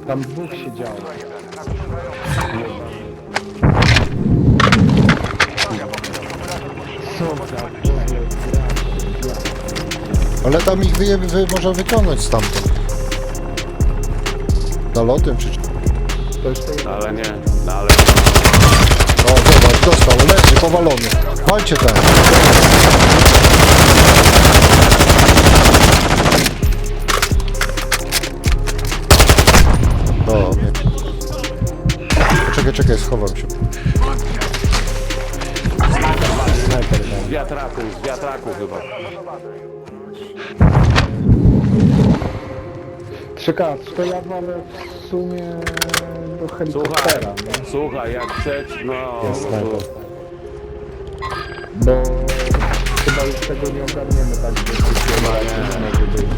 Tam dwóch się działo. Co za w ogóle gra. Ale tam ich można wyciągnąć stamtąd. Nalotem czy... To już to jest... Ale nie, no ale... O, zobacz, dostał, leży, powalony. Walcie tam. O, nie. Czekaj, schowam się. Z wiatraku chyba. 3K, to ja wolę w sumie do helikoptera, nie? Słuchaj, jak chcesz, no... Jest snajper. Bo chyba już tego nie ogarniemy tak, że nie może być.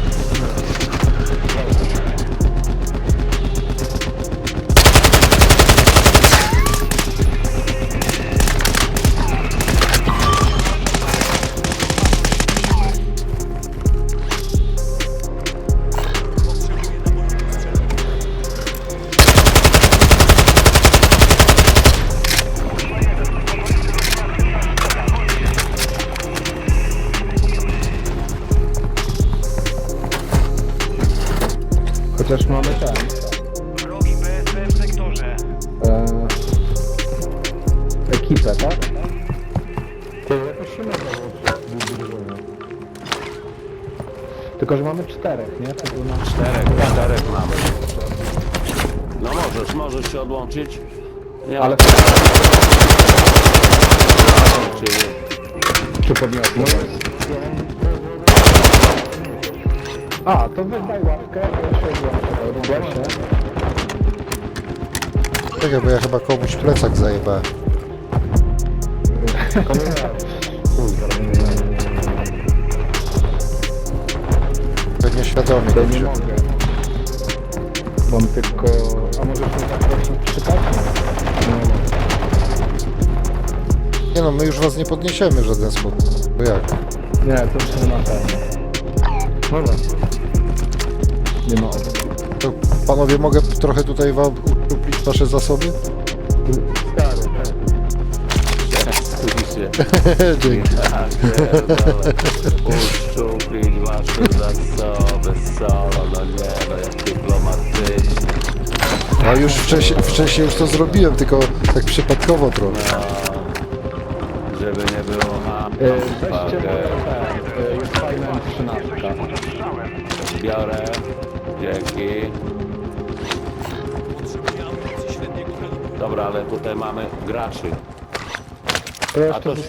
Chociaż mamy ten. Wrogi BSP w sektorze. Ekipę, tak? To jakoś się nazywało. Tylko, że mamy 4, nie? To było na 4. Czterech mamy. No możesz się odłączyć. Nie Ale... ma- Czy... Czy podniosło? A, to wydaj łapkę, ja się odłączę. się. Czekaj, bo ja chyba komuś plecak zajebałem. Pewnie świadomie. To nie mogę. Bo on tylko... A możesz mnie zaprosić przypadkiem? Nie mogę. Nie no, my już was nie podniesiemy w żaden sposób. Bo jak? Nie, to już nie ma sensu. Dobra. Nie ma opcji. To panowie, mogę trochę tutaj wam uczuplić wasze zasoby? Stary, tak. Oczywiście. Dzięki. Ja pierdolę. Uszczuplić wasze zasoby, solo, no nie, no jak dyplomatycznie. A już wcześniej już to zrobiłem, tylko tak przypadkowo trochę. No, żeby nie było Weźcie moje te, jest fajna M13. Biorę, dzięki. Dobra, ale tutaj mamy graczy. To A jeszcze to